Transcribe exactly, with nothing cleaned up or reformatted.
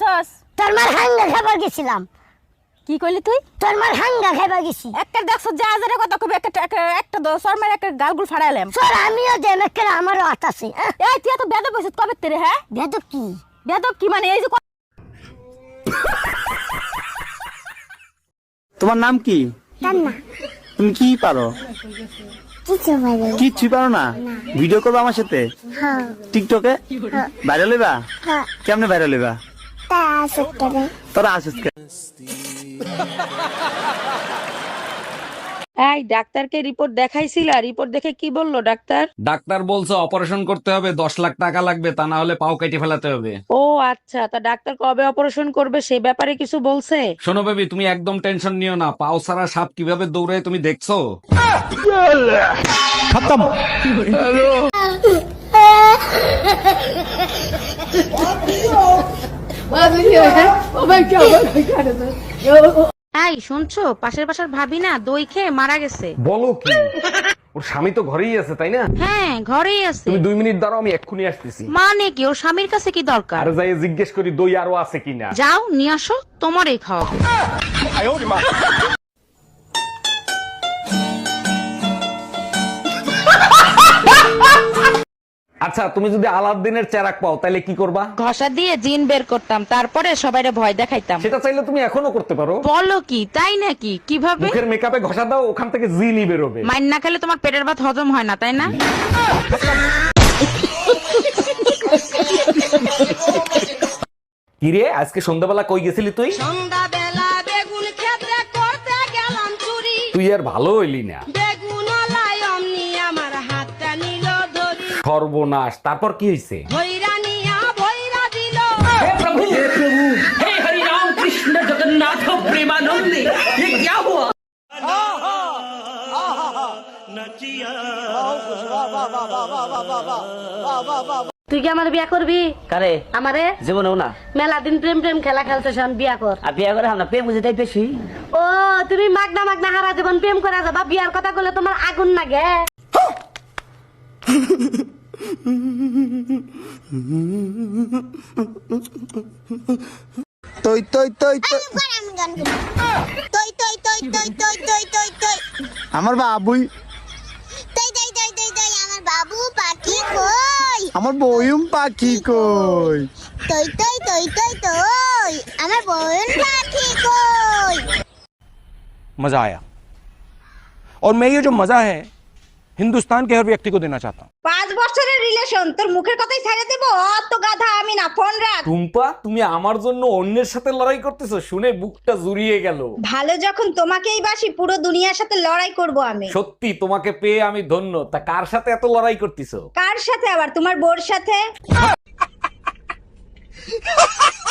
গেছস? তোর মার হাঙ্গা খাবার গেছিলাম। কি কইলি তুই? তোর মার হাঙ্গা খাবার গেছি। একটা দেখছ যা হাজারে কথা কবি একটা একটা- একটা দশর মার একটা গালগুল ফাড়াইলাম। তোর আমিও দেম একটা আমারও হাত আছে। এই তুই এত বেদব হইছিস কবে তেরে? হ্যাঁ বেদব কি? বেদব কি মানে? এই যে ক- তোমার নাম কি? কান্না তুমি কি পারো? কিছু পারি কিচ্ছু পারো না? ভিডিও করবে আমার সাথে হ্যাঁ টিকটকে? ভাইরাল হইবা? হ্যাঁ কেমনে ভাইরাল হইবা? তা আছে তোরে। তোরা আসিস কে? এই ডাক্তারকে রিপোর্ট দেখাইছিলা? রিপোর্ট দেখে কি বললো ডাক্তার? ডাক্তার বলছে অপারেশন করতে হবে, দশ লাখ টাকা লাগবে, তা না হলে পাও কেটে ফেলাতে হবে। ও আচ্ছা, তা ডাক্তার কবে অপারেশন করবে সে ব্যাপারে কিছু বলছে? শোনো বেবি, তুমি একদম টেনশন নিও না। পাও ছাড়া সাপ কিভাবে দৌড়ায় তুমি দেখছো? এই শুনছো, পাশের বাসার ভাবি না দই খেয়ে মারা গেছে। বলো কি? ওর স্বামী তো ঘরেই আছে, তাই না? হ্যাঁ ঘরেই আছে। তুমি দুই মিনিট দাঁড়াও, আমি এক্ষুনি আসতেছি। মানে কি, ওর স্বামীর কাছে কি দরকার? আর যাই জিজ্ঞেস করি দই আরো আছে কিনা। যাও নিয়ে আসো, তোমারই খাওয়াবো। আচ্ছা, তুমি যদি আলাদিনের চেরাক পাও তাহলে কি করবা? ঘষা দিয়ে জিন বের করতাম, তারপরে সবাইরে ভয় দেখাইতাম। সেটা চাইলে তুমি এখনো করতে পারো। বলো কি, তাই নাকি? কিভাবে? মুখের মেকআপে ঘষা দাও, ওখান থেকে জিনই বেরোবে। মাইন না খেলে তোমার পেটের ভাত হজম হয় না, তাই না? কিরে, আজকে সন্ধ্যাবেলা কই গেছিলি তুই? সন্ধ্যাবেলা বেগুন ক্ষেত্রে করতে গেলাম চুরি, তুই আর ভালো হইলি না। বেগুন লাই অমনি আমার হাতটা নিল ধরি, সর্বনাশ, তারপর কি হয়েছে? ভৈরা নিয়া ভৈরা দিল। তুই কি আমার বিয়া করবি? কারে? আমারে জীবনেও না। মেলা দিন প্রেম প্রেম খেলা খেলতেছ, বিয়া কর। আর বিয়ে করে আমরা প্রেম বুঝে তাই বেশি। ও তুমি মাগনা মাগনা হারা জীবন প্রেম করে যাবা, বিয়ার কথা বলে তোমার আগুন লাগে। তই তই তই তই। তই তই তই তই তই তই তই তই আমার বাবুই, তই তই তই তই তই আমার বাবু পাখি কই? আমার বয়ুম পাখি কই? তই তই তই তই তই আমার বোন পাখি কই? मजा आया और मैं ये जो मजा है हिंदुस्तान के हर व्यक्ति को देना चाहता हूँ। পাঁচ বছরের রিলেশন, তোর মুখের কথাই ছেড়ে দেবো? অত গাধা আমি না, ফোন রাখ। টুম্পা, তুমি আমার জন্য অন্যের সাথে লড়াই করতেছো শুনে বুকটা জুড়িয়ে গেল। ভালো যখন তোমাকেই বাসি, পুরো দুনিয়ার সাথে লড়াই করব আমি। সত্যি তোমাকে পেয়ে আমি ধন্য। তা কার সাথে এত লড়াই করতেছো? কার সাথে আবার? তোমার বোর সাথে।